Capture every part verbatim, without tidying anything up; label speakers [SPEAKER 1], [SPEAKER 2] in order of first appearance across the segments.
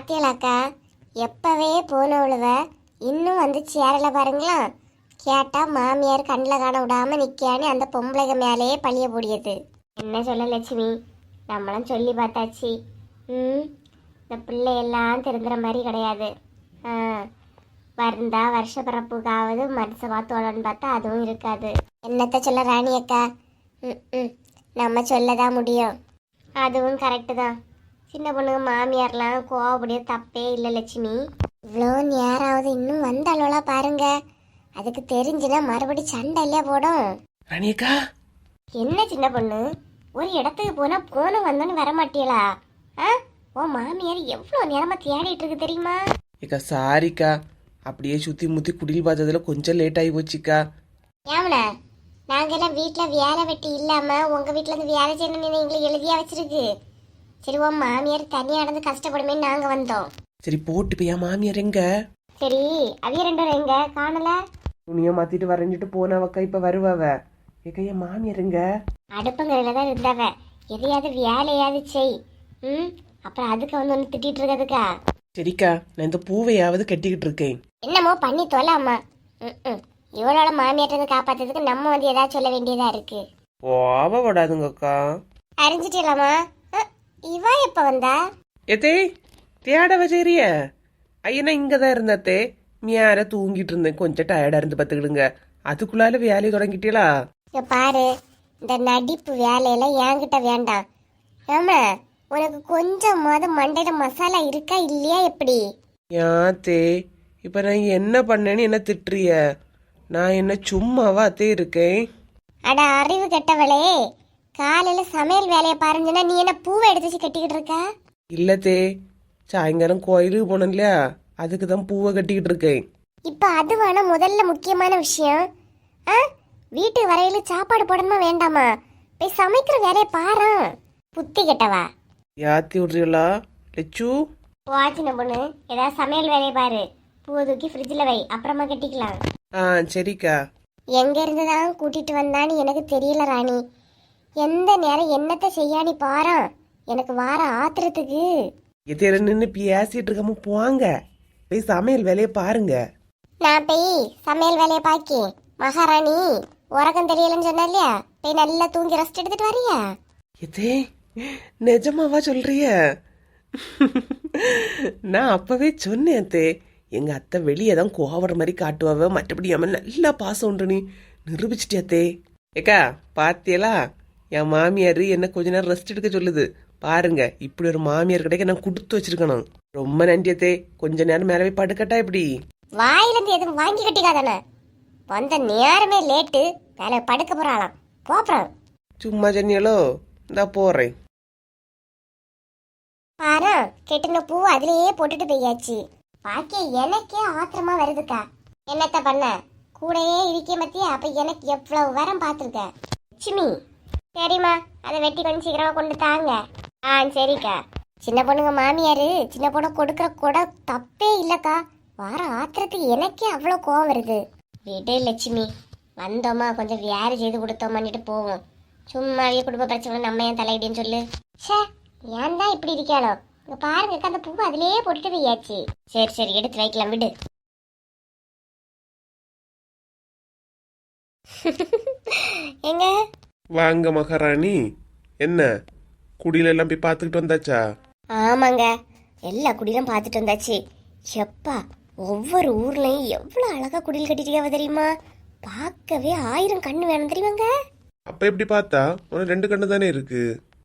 [SPEAKER 1] பாத்தியலாக்கா, எப்பவே போனவளுவ இன்னும் வந்து சேரல பாருங்களா. கேட்டா மாமியார் கண்ணில் காண விடாம நிக்கான்னு அந்த பொம்பளைக மேலேயே பழிய போடியது. என்ன சொல்ல லட்சுமி, நம்மளும் சொல்லி பார்த்தாச்சு. ம் இந்த பிள்ளையெல்லாம் திருந்துற மாதிரி கிடையாது. ஆ வருந்தா வருஷ பிறப்புக்காவது மனுஷமா தோழன்னு பார்த்தா அதுவும் இருக்காது. என்னத்த சொல்ல ராணி அக்கா, ம் ம் நம்ம சொல்லதான் முடியும். அதுவும் கரெக்டு தான். சின்ன பொண்ணுங்க மாமியார்லாம் கோவப்படிய தப்பே இல்லை லட்சுமி. இவ்வளோ நேராவது இன்னும் வந்தாளோலா பாருங்க. அதுக்கு தெரிஞ்சுனா மறுபடி சண்டை இல்லையா போடும்.
[SPEAKER 2] ராணியக்கா,
[SPEAKER 1] என்ன சின்ன பொண்ணு, ஒரு இடத்துக்கு போனா போன வந்தோன்னு வர மாட்டியலா? ஆ ஓ மாமியார் எவ்வளோ நேரமா தேடிட்டு இருக்கு தெரியுமா?
[SPEAKER 2] ஏக்கா சாரிக்கா, அப்படியே சுத்தி முத்தி குடில் பார்த்ததுல கொஞ்சம் லேட் ஆகி போச்சுக்கா.
[SPEAKER 1] ஏமல, நாங்கெல்லாம் வீட்டில் வேலை வெட்டி இல்லாம உங்க வீட்டுல இருந்து வேலை செய்யணும்னு எங்களை எழுதியா வச்சிருக்கு. சரி, உன் மாமியார் தனியா நடந்து கஷ்டப்படுமே நாங்க வந்தோம்.
[SPEAKER 2] சரி போட்டு போய் என் மாமியார் எங்க?
[SPEAKER 1] சரி, அவிய ரெண்டு பேரும் எங்க காணல?
[SPEAKER 2] துணியை மாத்திட்டு வரைஞ்சிட்டு போனவக்கா இப்ப வருவாவ. ஏக்கா என் மாமியார் எங்க?
[SPEAKER 1] அடுப்பங்கரையில தான் இருந்தாவ. எதையாவது வேலையாவது செய். ம் அப்புறம் அதுக்கு வந்து ஒன்று திட்டிட்டு இருக்கிறதுக்கா?
[SPEAKER 2] சரிக்கா, நான் இந்த பூவையாவது கட்டிக்கிட்டு இருக்கேன்.
[SPEAKER 1] என்னமோ பண்ணி தொல்லாமா. ம் ம் இவளோட மாமியார்ட்ட காப்பாத்துறதுக்கு நம்ம வந்து ஏதாவது சொல்ல வேண்டியதா இருக்கு.
[SPEAKER 2] ஓவ விடாதுங்கக்கா.
[SPEAKER 1] அறிஞ்சிட்டலாமா? இவா எப்ப வந்தா?
[SPEAKER 2] எதே தேட வச்சேரிய ஐயனா இங்கதான் இருந்தத்தே. மியார தூங்கிட்டு இருந்தேன், கொஞ்சம் டயர்டா இருந்து பாத்துக்கிடுங்க. அதுக்குள்ளால வேலையை தொடங்கிட்டீங்களா?
[SPEAKER 1] இங்க பாரு, இந்த நடிப்பு வேலையெல்லாம் என்கிட்ட வேண்டாம். ஆமா, உனக்கு கொஞ்சமாவது மண்டையில மசாலா இருக்கா இல்லையா எப்படி?
[SPEAKER 2] யாத்தே இப்ப நான் என்ன பண்ணேன்னு என்ன திட்டுறிய? நான் என்ன சும்மாவா அத்தே இருக்கேன்?
[SPEAKER 1] அட அறிவு கெட்டவளே, காலையில சமையல் வேலையை பாருங்கன்னா நீ என்ன பூவை எடுத்து வச்சு கட்டிக்கிட்டு இருக்க?
[SPEAKER 2] இல்லத்தே, சாயங்காலம் கோயிலுக்கு போனோம் இல்லையா, அதுக்கு தான் பூவை கட்டிக்கிட்டு இருக்கேன்.
[SPEAKER 1] இப்ப அது வேணா முதல்ல முக்கியமான விஷயம். ஆ வீட்டு வரையில சாப்பாடு போடணுமா வேண்டாமா? போய் சமைக்கிற வேலையை பாரு. புத்தி கெட்டவா.
[SPEAKER 2] யாத்தி விடுறீங்களா லெச்சு?
[SPEAKER 1] வாச்சின பொண்ணு, ஏதாவது சமையல் வேலையை பாரு. பூவை தூக்கி ஃப்ரிட்ஜில் வை, அப்புறமா கட்டிக்கலாம்.
[SPEAKER 2] ஆ சரிக்கா.
[SPEAKER 1] எங்க இருந்து தான் கூட்டிட்டு வந்தான்னு எனக்கு தெரியல ராணி. எந்த நேரம் என்னத்தை செய்யானி பாரு. எனக்கு வார ஆத்திரத்துக்கு.
[SPEAKER 2] எத்தையில நின்று பேசிட்டு இருக்காம போங்க, போய் சமையல் வேலையை பாருங்க.
[SPEAKER 1] நான் போய் சமையல் வேலையை பாக்கி மகாராணி உறக்கம் தெரியலன்னு சொன்னா இல்லையா, போய் நல்லா தூங்கி ரெஸ்ட் எடுத்துட்டு வரியா?
[SPEAKER 2] எதே நிஜமாவா சொல்றிய? நான் அப்பவே சொன்னேன் அத்தே, எங்க அத்தை வெளியே தான் கோவற மாதிரி காட்டுவாவ, மற்றபடி அவன் நல்லா பாசம் உண்டு. நீ நிரூபிச்சிட்டியாத்தே. ஏக்கா பாத்தியலா, என் மாமியார் என்ன கொஞ்ச நேரம் ரெஸ்ட் எடுக்க சொல்லுது பாருங்க. இப்படி ஒரு மாமியார் கிடைக்க நான் கொடுத்து வச்சிருக்கணும். ரொம்ப நன்றியத்தே. கொஞ்ச நேரம் மேலே போய் படுக்கட்டா இப்படி?
[SPEAKER 1] வாயில இருந்து எதுவும் வாங்கி கட்டிக்காதானே. வந்த நேரமே லேட்டு, வேலை படுக்க போறாளாம். போறான்.
[SPEAKER 2] சும்மா சொன்னியலோ, இந்தா போறேன்.
[SPEAKER 1] பாரு, கெட்டின பூ அதுலயே போட்டுட்டு போயாச்சு. பாக்கி எனக்கே ஆத்திரமா வருதுக்கா. என்னத்த பண்ண, கூடயே இருக்க மத்திய அப்ப எனக்கு எவ்வளவு வரம் பாத்துருக்க. லட்சுமி, சரிம்மா, அதை வெட்டி கொஞ்சம் சீக்கிரமா கொண்டு தாங்க. ஆ சரிக்கா. சின்ன பொண்ணுங்க மாமியாரு சின்ன பொண்ணு கொடுக்குற கூட தப்பே இல்லக்கா. வார ஆத்திரத்துக்கு எனக்கே அவ்வளோ கோவம் வருது. விடு லட்சுமி, வந்தோமா கொஞ்சம் வேறு செய்து கொடுத்தோமான்னுட்டு போவோம். சும்மாவே குடும்ப பிரச்சனை நம்ம ஏன் தலையிடின்னு சொல்லு. ஷே, ஏன் தான் இப்படி இருக்காளோ. இங்க பாருங்க, அந்த பூவை அதுலயே போட்டுட்டு போயாச்சு. சரி சரி, எடுத்து வைக்கலாம் விடு. எங்க
[SPEAKER 2] வாங்க மகாராணி, என்ன குடியில எல்லாம் போய் பார்த்துக்கிட்டு வந்தாச்சா?
[SPEAKER 1] ஆமாங்க, எல்லா குடிலும் பார்த்துட்டு வந்தாச்சு. எப்பா, ஒவ்வொரு ஊர்லயும் எவ்வளவு அழகா குடில் கட்டிட்டியாவ தெரியுமா? பார்க்கவே ஆயிரம் கண்ணு வேணும் தெரியுமாங்க.
[SPEAKER 2] அப்ப எப்படி பார்த்தா உனக்கு ரெண்டு கண்ணு தானே இருக்கு.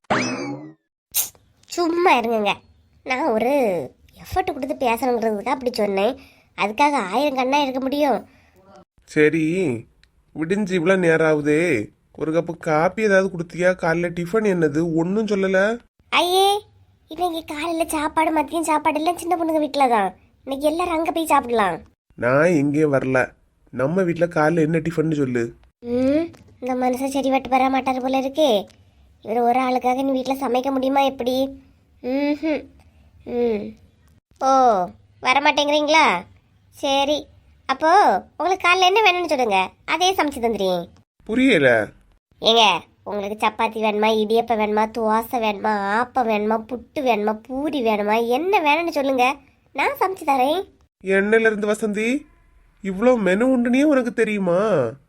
[SPEAKER 1] சும்மா இருங்க, நான் ஒரு எஃபர்ட் கொடுத்து பேசணுங்கிறதுக்காக அப்படி சொன்னேன். அதுக்காக ஆயிரம் கண்ணா இருக்க முடியும்?
[SPEAKER 2] சரி, விடிஞ்சு இவ்வளவு நேரம் ஆகுதே, ஒரு கப்பு காப்பி ஏதாவது கொடுத்தியா? காலைல டிஃபன் என்னது ஒன்னும் சொல்லல?
[SPEAKER 1] ஐயே, இன்னைக்கு காலையில சாப்பாடு மதியம் சாப்பாடு எல்லாம் சின்ன பொண்ணுங்க வீட்டுல தான். இன்னைக்கு எல்லாரும் அங்க போய் சாப்பிடலாம்.
[SPEAKER 2] நான் எங்கேயும் வரல, நம்ம வீட்டுல காலைல என்ன டிஃபன் சொல்லு.
[SPEAKER 1] ம் இந்த மனுஷன் சரி வட்டு பெற மாட்டாரு போல இருக்கே. இவர் ஒரு ஆளுக்காக நீ வீட்டில் சமைக்க முடியுமா எப்படி? ம் ம் ஓ, வரமாட்டேங்கிறீங்களா? சரி, அப்போ உங்களுக்கு காலைல என்ன வேணும்னு சொல்லுங்க, அதே சமைச்சு தந்துடுறேன்.
[SPEAKER 2] புரியல.
[SPEAKER 1] ஏங்க, உங்களுக்கு சப்பாத்தி வேணுமா, இடியப்பம் வேணுமா, தோசை வேணுமா, ஆப்பம் வேணுமா, புட்டு வேணுமா, பூரி வேணுமா, என்ன வேணும்னு சொல்லுங்க, நான் சமைச்சு தரேன்.
[SPEAKER 2] எண்ணெயில இருந்து வசந்தி இவ்வளோ மெனு உண்டுனே உனக்கு தெரியுமா?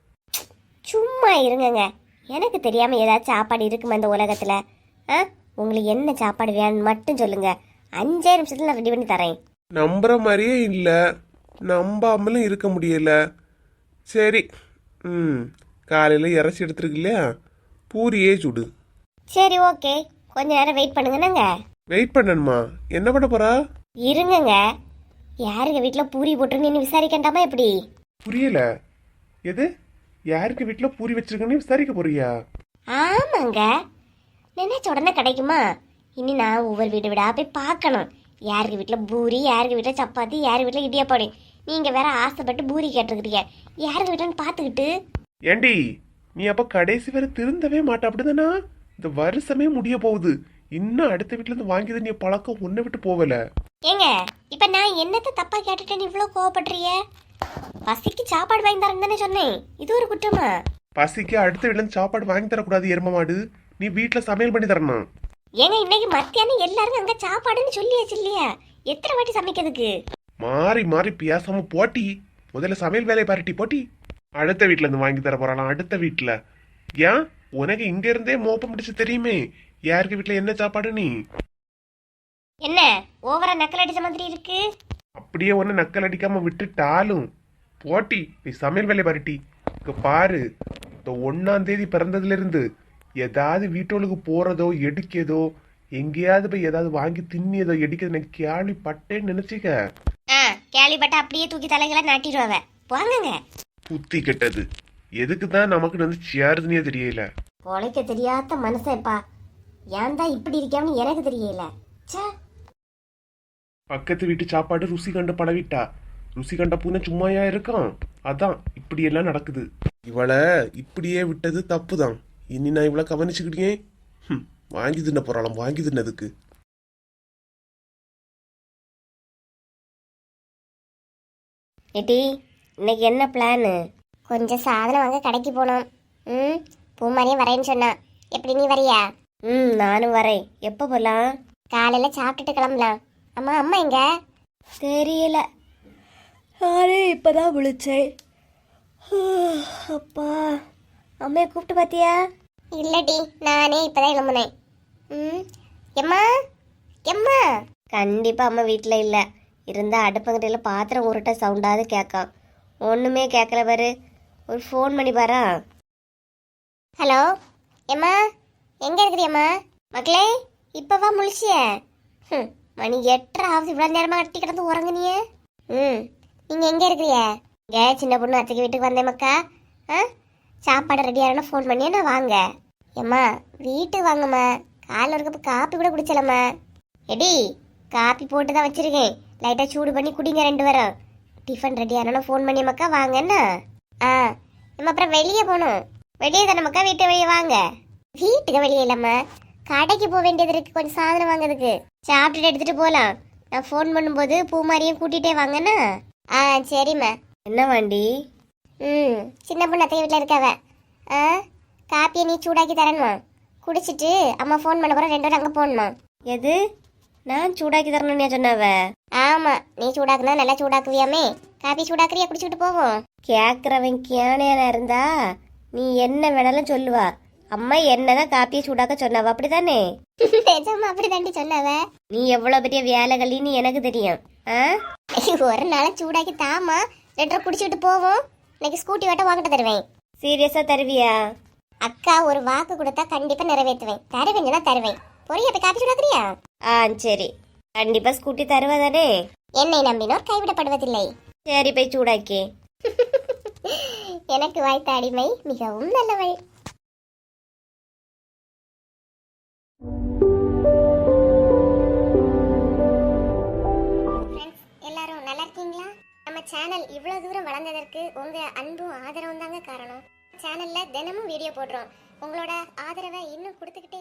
[SPEAKER 1] சும்மா இருங்கங்க. எனக்கு தெரியாம ஏதாச்சும் சாப்பாடு இருக்குமா இந்த உலகத்துல? ஆ உங்களுக்கு என்ன சாப்பாடு வேணும்னு மட்டும் சொல்லுங்க, அஞ்சே நிமிஷத்துல நான் ரெடி பண்ணி தரேன்.
[SPEAKER 2] நம்புற மாதிரியே இல்லை, நம்பாமலும் இருக்க முடியல. சரி, ம் காலையில் இறச்சி எடுத்துருக்கு இல்லையா, பூரியே சுடு.
[SPEAKER 1] சரி ஓகே, கொஞ்ச நேரம் வெயிட் பண்ணுங்கன்னாங்க.
[SPEAKER 2] வெயிட் பண்ணணுமா? என்ன பண்ண போறா?
[SPEAKER 1] இருங்கங்க, யாருங்க வீட்டில் பூரி போட்டிருங்கன்னு விசாரிக்கண்டாமா எப்படி?
[SPEAKER 2] புரியல. எது? யாருக்கு வீட்டில் பூரி வச்சிருக்கன்னு விசாரிக்க போறியா?
[SPEAKER 1] ஆமாங்க, நினைச்ச உடனே கிடைக்குமா? இனி நான் ஒவ்வொரு வீடு வீடா போய் பார்க்கணும், யாருக்கு வீட்டில் பூரி, யாருக்கு வீட்டில் சப்பாத்தி, யார் வீட்டில் இடியாப்பாடு. நீங்கள் வேற ஆசைப்பட்டு பூரி கேட்டிருக்கிறீங்க, யாருக்கு வீட்டில்னு பார்த்துக்கிட்டு.
[SPEAKER 2] ஏண்டி நீ அப்ப கடைசி வரை திருந்தவே மாட்ட அப்படிதானா? இந்த வருஷமே முடிய போகுது, இன்னும் அடுத்த வீட்டுல இருந்து வாங்கியது நீ பழக்கம் ஒன்ன விட்டு போகல.
[SPEAKER 1] ஏங்க இப்ப நான் என்னத்த தப்பா கேட்டுட்டேன்னு இவ்வளவு கோவப்படுறிய? பசிக்கு சாப்பாடு வாங்கி தரேன்னு தானே சொன்னேன், இது ஒரு குற்றமா?
[SPEAKER 2] பசிக்கு அடுத்த வீட்டுல இருந்து சாப்பாடு வாங்கி தரக்கூடாது எரும மாடு, நீ வீட்டுல சமையல் பண்ணி தரணும்.
[SPEAKER 1] ஏங்க இன்னைக்கு மத்தியானம் எல்லாரும் அங்க சாப்பாடுன்னு சொல்லியாச்சு இல்லையா, எத்தனை வாட்டி சமைக்கிறதுக்கு?
[SPEAKER 2] மாறி மாறி பேசாம போட்டி, முதல்ல சமையல் வேலையை பாருட்டி போட்டி. அடுத்த வீட்டுல இருந்து வாங்கி தர போறாளாம், அடுத்த வீட்டுல. ஏன் உனக்கு இங்க இருந்தே மோப்பம் பிடிச்சு தெரியுமே யாருக்கு வீட்டுல என்ன சாப்பாடு. நீ
[SPEAKER 1] என்ன ஓவரா நக்கல் அடிச்ச மாதிரி இருக்கு?
[SPEAKER 2] அப்படியே ஒன்னு நக்கல் அடிக்காம விட்டுட்டாலும் போட்டி, நீ சமையல் வேலையை பாருட்டி. இங்க பாரு, இந்த ஒன்னாம் தேதி பிறந்ததுல இருந்து ஏதாவது வீட்டோளுக்கு போறதோ எடுக்கதோ, எங்கேயாவது போய் ஏதாவது வாங்கி தின்னியதோ எடுக்கிறது எனக்கு கேள்விப்பட்டேன்னு நினைச்சிக்க.
[SPEAKER 1] கேள்விப்பட்ட அப்படியே தூக்கி தலைகளை நாட்டிடுவாவ, வாங்குங்க.
[SPEAKER 2] புத்தி கெட்டது, எதுக்கு தான் நமக்கு வந்து சேருதுன்னே தெரியல.
[SPEAKER 1] பொழைக்க தெரியாத மனுஷன்ப்பா, ஏன் தான் இப்படி இருக்கேன்னு எனக்கு தெரியல.
[SPEAKER 2] பக்கத்து வீட்டு சாப்பாடு ருசி கண்டு பழவிட்டா, ருசி கண்ட பூனை சும்மாயா இருக்கும். அதான் இப்படி எல்லாம் நடக்குது. இவளை இப்படியே விட்டது தப்பு தான். இனி நான் இவளை கவனிச்சுக்கிட்டே வாங்கி தின்ன போறாளாம், வாங்கி தின்னதுக்கு.
[SPEAKER 1] ஏட்டி இன்னைக்கு என்ன பிளானு? கொஞ்சம் சாதனம் வாங்க கடைக்கு போனோம். ம் பூமாரியும் வரேன்னு சொன்னா, எப்படி நீ வரியா? ம் நானும் வரேன். எப்போ போகலாம்? காலையில் சாப்பிட்டுட்டு கிளம்பலாம். அம்மா அம்மா எங்க? தெரியல, நானே இப்போதான் விழிச்சேன். அப்பா, அம்மையை கூப்பிட்டு பார்த்தியா? இல்லடி, நானே இப்போதான் கிளம்புனேன். ம் எம்மா எம்மா. கண்டிப்பாக அம்மா வீட்டில் இல்லை, இருந்தால் அடுப்பங்கடையில் பாத்திரம் உருட்ட சவுண்டாவது கேட்கான். ஒன்றுமே கேட்கல பாரு, ஒரு ஃபோன் பண்ணி பாரா. ஹலோ எம்மா, எங்கே இருக்கிறியம்மா? மக்களே இப்போவா முழிச்சிய? ம் மணி எட்டரை ஆகுது, இவ்வளோ நேரமாக கட்டி கிடந்து உறங்குனிய. ம் நீங்கள் எங்கே இருக்கிறிய? இங்கே சின்ன பொண்ணு அத்தைக்கு வீட்டுக்கு வந்தேன் மக்கா. ஆ சாப்பாடு ரெடியாகனா ஃபோன் பண்ணியே நான் வாங்க. ஏம்மா வீட்டுக்கு வாங்கம்மா, காலைல ஒரு கப்பு காப்பி கூட குடிச்சலம்மா. எடி காப்பி போட்டு தான் வச்சுருக்கேன், லைட்டாக சூடு பண்ணி குடிங்க ரெண்டு பேரும். டிஃபன் ரெடி ஆனா ஃபோன் பண்ணி மக்கா வாங்கண்ணா. ஆ நம்ம அப்புறம் வெளியே போகணும். வெளியே தானே மக்கா, வீட்டை வெளியே வாங்க. வீட்டுக்கு வெளியே இல்லைம்மா, கடைக்கு போக வேண்டியது இருக்கு, கொஞ்சம் சாதனம் வாங்குறதுக்கு. சாப்பிட்டுட்டு எடுத்துட்டு போகலாம். நான் ஃபோன் பண்ணும்போது பூமாரியும் கூட்டிகிட்டே வாங்கண்ணா. ஆ சரிம்மா. என்ன வாண்டி? ம் சின்ன பொண்ணு அத்தை வீட்டில் இருக்காவ. ஆ காப்பியை நீ சூடாக்கி தரணுமா, குடிச்சிட்டு அம்மா ஃபோன் பண்ண போகிற ரெண்டு பேரும் அங்கே போகணுமா. எது நான் சூடாக்கி தரணும்னு சொன்னாவ? ஆமாம், நீ சூடாக்குனா நல்லா சூடாக்குவியாமே, காப்பி சூடாக்குறியா, குடிச்சுக்கிட்டு போவோம். கேட்குறவன் கேனையான இருந்தா நீ என்ன வேணாலும் சொல்லுவா. அம்மா என்னதான் காப்பியை சூடாக்க சொன்னாவ, அப்படிதானே? நிஜமா அப்படி தாண்டி சொன்னாவ. நீ எவ்வளவு பெரிய வேலைகளின்னு எனக்கு தெரியும். ஆ ஒரு நாள் சூடாக்கி தாமா, ரெண்டரை குடிச்சுக்கிட்டு போவோம். இன்னைக்கு ஸ்கூட்டி வாட்ட வாங்கிட்டு தருவேன். சீரியஸா தருவியா? அக்கா ஒரு வாக்கு கொடுத்தா கண்டிப்பா நிறைவேற்றுவேன். தருவேன்னா தருவேன். பொரிய போய் காப்பி சூடாக்குறியா? ஆ சரி, கண்டிப்பா ஸ்கூட்டி தருவதானே? என்னை நம்பினோர் கைவிடப்படுவதில்லை. சரி போய் சூடாக்கி. எனக்கு வாய்த்த அடிமை மிகவும் நல்லவள். எல்லாரும் நல்லா இருக்கீங்களா? நம்ம சேனல் இவ்வளவு தூரம் வளர்ந்ததற்கு உங்க அன்பும் ஆதரவும் தாங்க காரணம். சேனல்ல தினமும் வீடியோ போடுறோம், உங்களோட ஆதரவை இன்னும் கொடுத்துக்கிட்டே